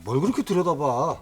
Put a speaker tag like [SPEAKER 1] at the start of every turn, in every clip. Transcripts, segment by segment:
[SPEAKER 1] 뭘 그렇게 들여다봐?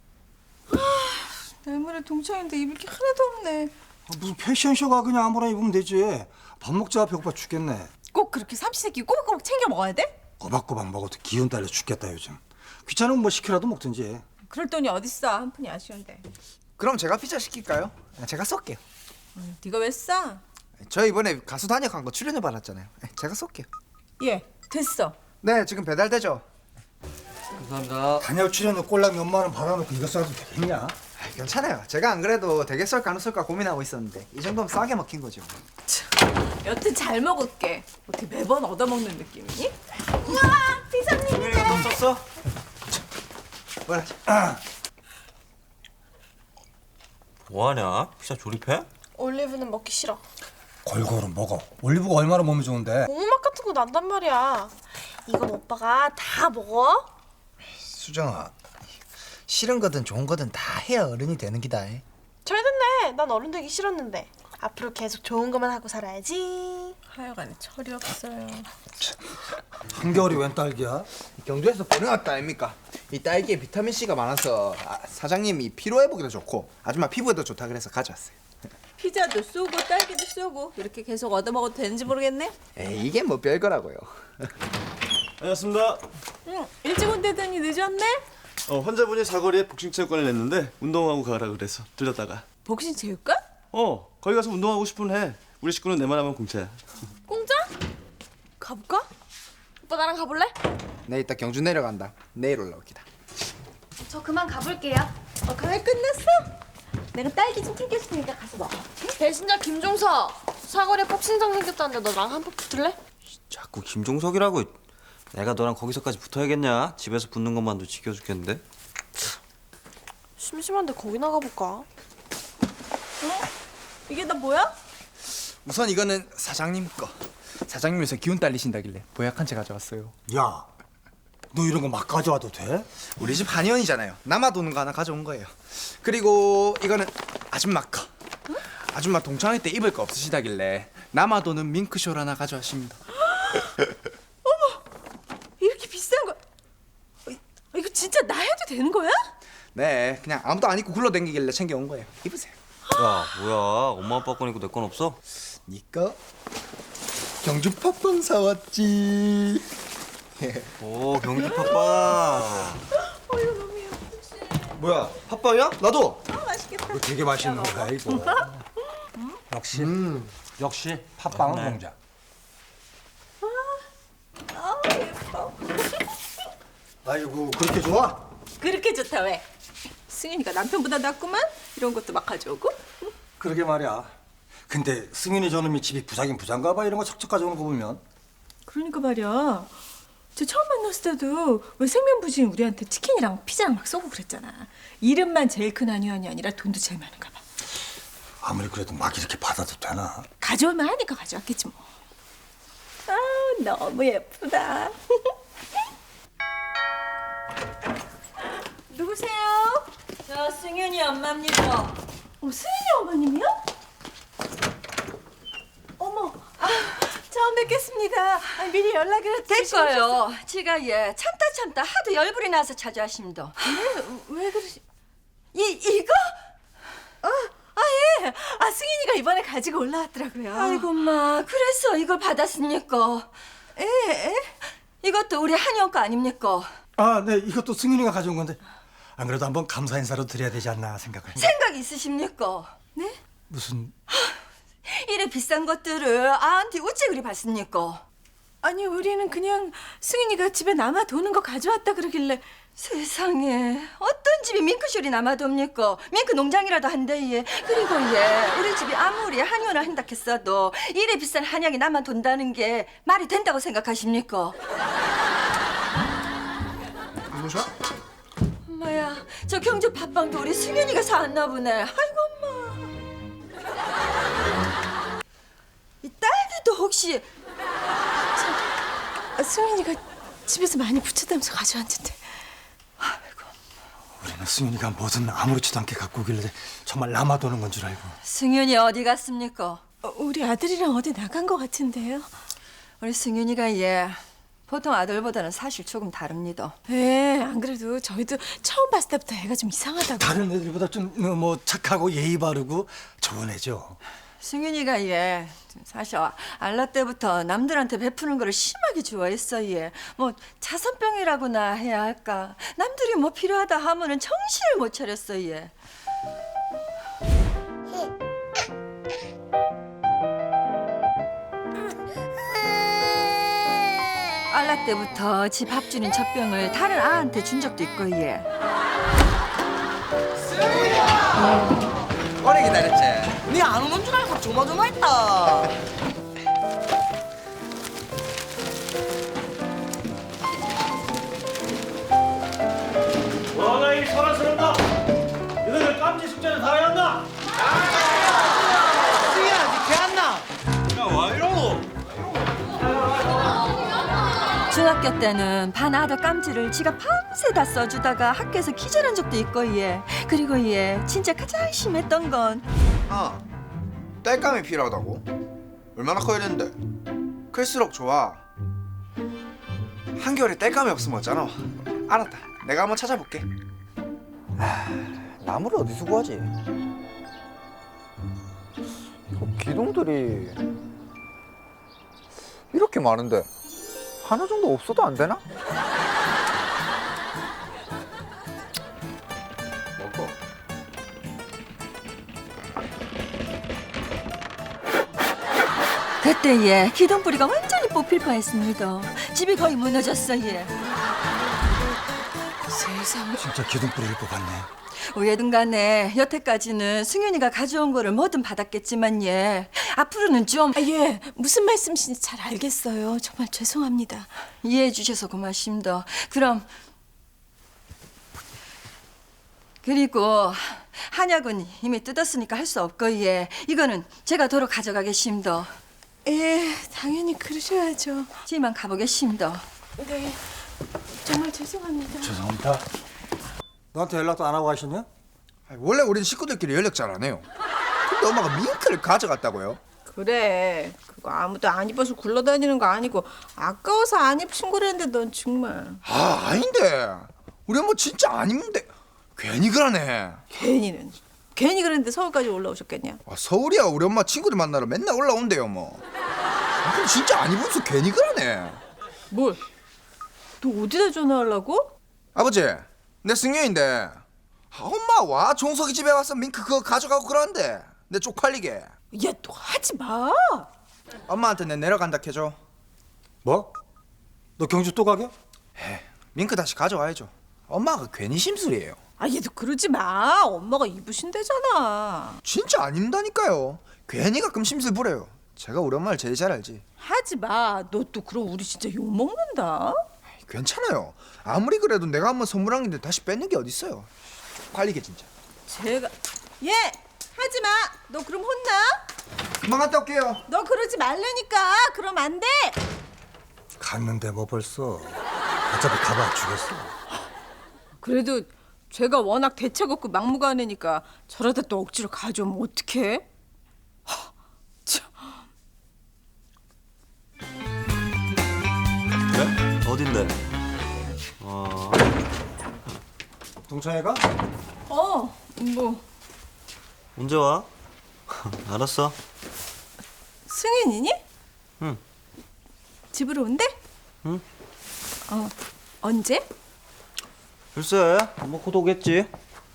[SPEAKER 2] 내물에 동창인데 입을 게 하나도 없네.
[SPEAKER 1] 무슨 패션쇼가 그냥 아무나 입으면 되지. 밥 먹자. 배고파 죽겠네.
[SPEAKER 2] 꼭 그렇게 삼시세끼 꼬박꼬박 챙겨 먹어야 돼?
[SPEAKER 1] 꼬박꼬박 먹어도 기운 딸려 죽겠다 요즘. 귀찮으면 뭐 시키라도 먹든지.
[SPEAKER 2] 그럴 돈이 어딨어. 한 푼이 아쉬운데.
[SPEAKER 3] 그럼 제가 피자 시킬까요? 제가 쏠게요.
[SPEAKER 2] 네가 왜 싸?
[SPEAKER 3] 저 이번에 가수 단역한 거 출연료 받았잖아요. 제가 쏠게요.
[SPEAKER 2] 예, 됐어.
[SPEAKER 3] 네, 지금 배달되죠?
[SPEAKER 4] 감사합니다.
[SPEAKER 1] 단역 출연료 꼴랑 몇만 원 받아놓고 이거 써도 되겠냐?
[SPEAKER 3] 괜찮아요. 제가 안 그래도 되게 쏠까 안 쏠까 고민하고 있었는데 이 정도면 싸게 먹힌 거죠.
[SPEAKER 2] 여튼 잘 먹을게. 어떻게 매번 얻어먹는 느낌이니? 우와, 비상님이네.
[SPEAKER 3] 썼어? 뭐라?
[SPEAKER 4] 뭐하냐? 피자 조립해?
[SPEAKER 5] 올리브는 먹기 싫어.
[SPEAKER 1] 골고루 먹어. 올리브가 얼마나 몸에 좋은데.
[SPEAKER 5] 고구맛 같은 거 난단 말이야. 이건 오빠가 다 먹어?
[SPEAKER 3] 수정아, 싫은 거든 좋은 거든 다 해야 어른이 되는 기다.
[SPEAKER 5] 잘 됐네. 난 어른 되기 싫었는데. 앞으로 계속 좋은 것만 하고 살아야지.
[SPEAKER 2] 하여간에 철이 없어요.
[SPEAKER 1] 한겨울이 웬 딸기야?
[SPEAKER 3] 경주에서 보내왔다 아닙니까? 이 딸기에 비타민 C가 많아서 사장님이 피로 회복에도 좋고 아줌마 피부에도 좋다 그래서 가져왔어요.
[SPEAKER 2] 피자도 쏘고 딸기도 쏘고 이렇게 계속 얻어먹어도 되는지 모르겠네.
[SPEAKER 3] 에이, 이게 뭐 별거라고요.
[SPEAKER 6] 안녕하십니까.
[SPEAKER 2] 응, 일찍 온다더니 늦었네?
[SPEAKER 6] 환자분이 사거리에 복싱체육관을 냈는데 운동하고 가라 그래서 들렸다가
[SPEAKER 2] 복싱 체육관?
[SPEAKER 6] 거기 가서 운동하고 싶으면 해. 우리 식구는 내만 하면 공짜야.
[SPEAKER 5] 공짜? 가볼까? 오빠 나랑 가볼래?
[SPEAKER 3] 내 이따 경주 내려간다. 내일 올라오기다.
[SPEAKER 5] 저 그만 가볼게요.
[SPEAKER 2] 강의 끝났어? 내가 딸기 좀 챙겨줄 테니까 가서 먹어.
[SPEAKER 5] 배신자 김종석. 사거리에 복싱장 생겼다는데 너랑 한 번 붙을래?
[SPEAKER 4] 자꾸 김종석이라고. 내가 너랑 거기서까지 붙어야겠냐? 집에서 붙는 것만도 지겨 죽겠는데.
[SPEAKER 5] 심심한데 거기 나가볼까?
[SPEAKER 2] 이게 다 뭐야?
[SPEAKER 3] 우선 이거는 사장님 거. 사장님에서 기운 딸리신다길래 보약한 채 가져왔어요.
[SPEAKER 1] 야, 너 이런 거 막 가져와도 돼?
[SPEAKER 3] 우리 집 한의원이잖아요. 남아도는 거 하나 가져온 거예요. 그리고 이거는 아줌마 거. 아줌마 동창회 때 입을 거 없으시다길래 남아도는 밍크쇼를 하나 가져왔습니다.
[SPEAKER 2] 이렇게 비싼 거 이거 진짜 나 해도 되는 거야?
[SPEAKER 3] 네, 그냥 아무도 안 입고 굴러다니길래 챙겨온 거예요. 입으세요.
[SPEAKER 4] 야, 뭐야? 엄마 아빠 거니까 내 건 없어?
[SPEAKER 3] 니꺼 경주 팥빵 사왔지.
[SPEAKER 4] 오, 경주 팥빵.
[SPEAKER 2] 이거 너무 예쁘지.
[SPEAKER 4] 뭐야? 팥빵이야? 나도.
[SPEAKER 2] 맛있겠다.
[SPEAKER 1] 이거 되게 맛있는 거야 이거. 역시 역시 팥빵은 공자.
[SPEAKER 2] 예뻐.
[SPEAKER 1] 아이고 그렇게 좋아?
[SPEAKER 2] 그렇게 좋다 왜? 승윤이가 남편보다 낫구만. 이런 것도 막 가져오고.
[SPEAKER 1] 그러게 말이야. 근데 승윤이 저놈이 집이 부자긴 부자인가 봐. 이런 거 척척 가져오는 거 보면.
[SPEAKER 2] 그러니까 말이야. 저 처음 만났을 때도 왜 생면부진 우리한테 치킨이랑 피자랑 막 쏘고 그랬잖아. 이름만 제일 큰 한의원이 아니라 돈도 제일 많은가 봐.
[SPEAKER 1] 아무리 그래도 막 이렇게 받아도 되나?
[SPEAKER 2] 가져오면 하니까 가져왔겠지 뭐. 아 너무 예쁘다. 누구세요?
[SPEAKER 7] 저 승윤이 엄마입니다.
[SPEAKER 2] 승윤이 어머님이요? 어머, 처음 뵙겠습니다. 미리 연락을
[SPEAKER 7] 됐어요. 제가 참다 하도 열불이 나서 찾아왔습니다.
[SPEAKER 2] 왜 그러시?
[SPEAKER 7] 이거?
[SPEAKER 2] 예. 승윤이가 이번에 가지고 올라왔더라고요.
[SPEAKER 7] 아이고 엄마, 그래서 이걸 받았습니까?
[SPEAKER 2] 예.
[SPEAKER 7] 이것도 우리 한영 거 아닙니까?
[SPEAKER 1] 아, 네. 이것도 승윤이가 가져온 건데 안 그래도 한번 감사 인사로 드려야 되지 않나 생각을.
[SPEAKER 7] 생각 있으십니까?
[SPEAKER 2] 네?
[SPEAKER 1] 무슨
[SPEAKER 7] 이래 비싼 것들을 아한테 어째 그리 받습니까?
[SPEAKER 2] 아니 우리는 그냥 승윤이가 집에 남아 도는 거 가져왔다 그러길래.
[SPEAKER 7] 세상에 어떤 집이 밍크쇼리 남아둡니까? 밍크 농장이라도 한대. 그리고 우리 집이 아무리 한의원을 한다 했어도 이래 비싼 한약이 남아돈다는 게 말이 된다고 생각하십니까?
[SPEAKER 3] 뭐죠?
[SPEAKER 7] 엄마야, 저 경주 팥빵도 우리 승윤이가 사왔나 보네. 아이고 엄마. 이 딸기도 혹시
[SPEAKER 2] 승윤이가 집에서 많이 부쳤다면서 가져왔는데.
[SPEAKER 1] 우리는 승윤이가 뭐든 아무렇지도 않게 갖고 오길래 정말 남아도는 건 줄 알고.
[SPEAKER 7] 승윤이 어디 갔습니까?
[SPEAKER 2] 우리 아들이랑 어디 나간 거 같은데요.
[SPEAKER 7] 우리 승윤이가 보통 아들보다는 사실 조금 다릅니다.
[SPEAKER 2] 예, 안 그래도 저희도 처음 봤을 때부터 애가 좀 이상하다고.
[SPEAKER 1] 다른 애들보다 좀 뭐 착하고 예의 바르고 좋은 애죠.
[SPEAKER 7] 승윤이가 얘 사실 알라 때부터 남들한테 베푸는 거를 심하게 좋아했어 얘. 뭐 자선병이라고나 해야 할까. 남들이 뭐 필요하다 하면은 정신을 못 차렸어 얘. 알라 때부터 지 밥 주는 젖병을 다른 아한테 준 적도 있고 얘.
[SPEAKER 3] 오래 기다렸지?
[SPEAKER 8] 니 안 오는 줄 알고 조마조마했다.
[SPEAKER 9] 뭐가 이 소란스럽다. 너희들 깜지 숙제는 다 해왔나?
[SPEAKER 3] 승희야 니 개안나?
[SPEAKER 9] 야와 이러노?
[SPEAKER 7] 중학교 때는 반 아들 깜지를 지가 밤새 다 써주다가 학교에서 기절한 적도 있고 얘. 그리고 얘 진짜 가장 심했던 건
[SPEAKER 3] 아, 땔감이 필요하다고? 얼마나 커야 되는데? 클수록 좋아. 한겨울에 땔감이 없으면 어쩌노? 알았다, 내가 한번 찾아볼게.
[SPEAKER 10] 나무를 어디서 구하지? 이거 기둥들이 이렇게 많은데 하나 정도 없어도 안 되나?
[SPEAKER 3] 먹어.
[SPEAKER 7] 그때 얘 기둥뿌리가 완전히 뽑힐 뻔했습니다. 집이 거의 무너졌어 얘.
[SPEAKER 2] 세상에.
[SPEAKER 1] 진짜 기둥뿌리를 뽑았네.
[SPEAKER 7] 어쨌든 간에 여태까지는 승윤이가 가져온 거를 뭐든 받았겠지만 얘 앞으로는 좀
[SPEAKER 2] 아, 예, 무슨 말씀이신지 잘 알겠어요. 정말 죄송합니다.
[SPEAKER 7] 이해해 주셔서 고맙습니다. 그럼 그리고 한약은 이미 뜯었으니까 할 수 없고 얘 이거는 제가 도로 가져가겠습니다.
[SPEAKER 2] 예, 당연히 그러셔야죠.
[SPEAKER 7] 지만 가보겠습니다.
[SPEAKER 2] 네, 정말 죄송합니다.
[SPEAKER 1] 죄송합니다. 너한테 연락도 안 하고 가셨냐?
[SPEAKER 3] 원래 우린 식구들끼리 연락 잘 안 해요. 근데 엄마가 밍크를 가져갔다고요?
[SPEAKER 2] 그래, 그거 아무도 안 입어서 굴러다니는 거 아니고 아까워서 안 입힌 거랬는데 넌 정말
[SPEAKER 3] 아, 아닌데. 우리 엄마 진짜 안 입는데 괜히 그러네.
[SPEAKER 2] 괜히 그랬는데 서울까지 올라오셨겠냐?
[SPEAKER 3] 아, 서울이야 우리 엄마 친구들 만나러 맨날 올라온대요 뭐. 아, 근데 진짜 안 입으면서 괜히 그러네.
[SPEAKER 2] 뭘? 너 어디다 전화하려고?
[SPEAKER 3] 아버지, 내 승려인데 아, 엄마 와 종석이 집에 와서 밍크 그거 가져가고 그러는데 내 쪽팔리게.
[SPEAKER 2] 야, 너 하지 마.
[SPEAKER 3] 엄마한테 내 내려간다 해줘.
[SPEAKER 1] 뭐? 너 경주 또 가게?
[SPEAKER 3] 밍크 다시 가져와야죠. 엄마가 괜히 심술이에요.
[SPEAKER 2] 아, 얘도 그러지 마. 엄마가 입으신대잖아.
[SPEAKER 3] 진짜 안 입는다니까요. 괜히 가끔 심술 부려요. 제가 우리 엄마를 제일 잘 알지.
[SPEAKER 2] 하지 마. 너 또 그럼 우리 진짜 욕 먹는다.
[SPEAKER 3] 괜찮아요. 아무리 그래도 내가 한번 선물한 건데 다시 뺏는 게 어딨어요. 쪽팔리게 진짜.
[SPEAKER 2] 제가 얘 하지 마. 너 그럼 혼나?
[SPEAKER 3] 금방 갔다 올게요.
[SPEAKER 2] 너 그러지 말라니까. 그럼 안 돼.
[SPEAKER 1] 갔는데 뭐 벌써. 어차피 가봐 주겠어.
[SPEAKER 2] 그래도 제가 워낙 대책 없고 막무가내니까 저러다 또 억지로 가져오면 어떡해?
[SPEAKER 4] 그래? 어딘데?
[SPEAKER 1] 동창회가?
[SPEAKER 2] 뭐
[SPEAKER 4] 언제 와? 알았어.
[SPEAKER 2] 승윤이니?
[SPEAKER 4] 응.
[SPEAKER 2] 집으로 온대?
[SPEAKER 4] 응.
[SPEAKER 2] 언제?
[SPEAKER 4] 글쎄, 뭐 곧 오겠지.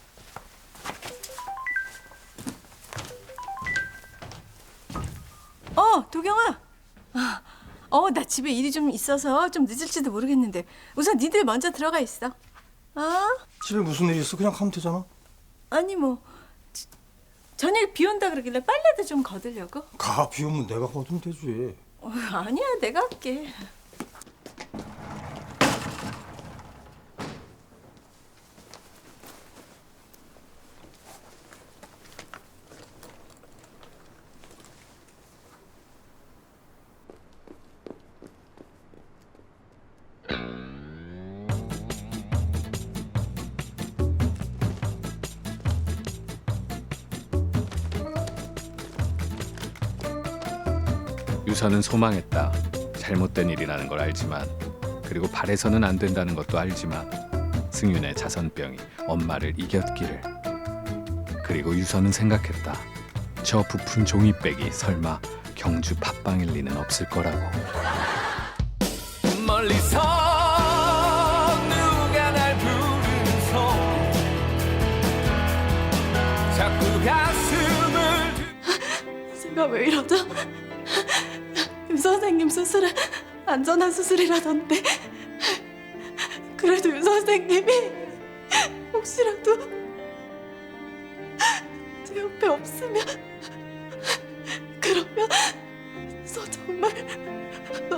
[SPEAKER 2] 도경아. 나 집에 일이 좀 있어서 좀 늦을지도 모르겠는데 우선 니들 먼저 들어가 있어.
[SPEAKER 1] 집에 무슨 일 있어? 그냥 가면 되잖아.
[SPEAKER 2] 아니 뭐 저녁에 비 온다 그러길래 빨래도 좀 거들려고.
[SPEAKER 1] 가, 비 오면 내가 거두면 되지.
[SPEAKER 2] 아니야, 내가 할게.
[SPEAKER 11] 유서는 소망했다. 잘못된 일이라는 걸 알지만 그리고 바래서는 안 된다는 것도 알지만 승윤의 자선병이 엄마를 이겼기를. 그리고 유서는 생각했다. 저 부푼 종이백이 설마 경주 팟빵일 리는 없을 거라고.
[SPEAKER 12] 멀리서 누가 날 부르면서 자꾸 가슴을
[SPEAKER 5] 제가 왜 이러죠? 임 선생님 수술은 안전한 수술이라던데 그래도 임 선생님이 혹시라도 제 옆에 없으면 그러면 저 정말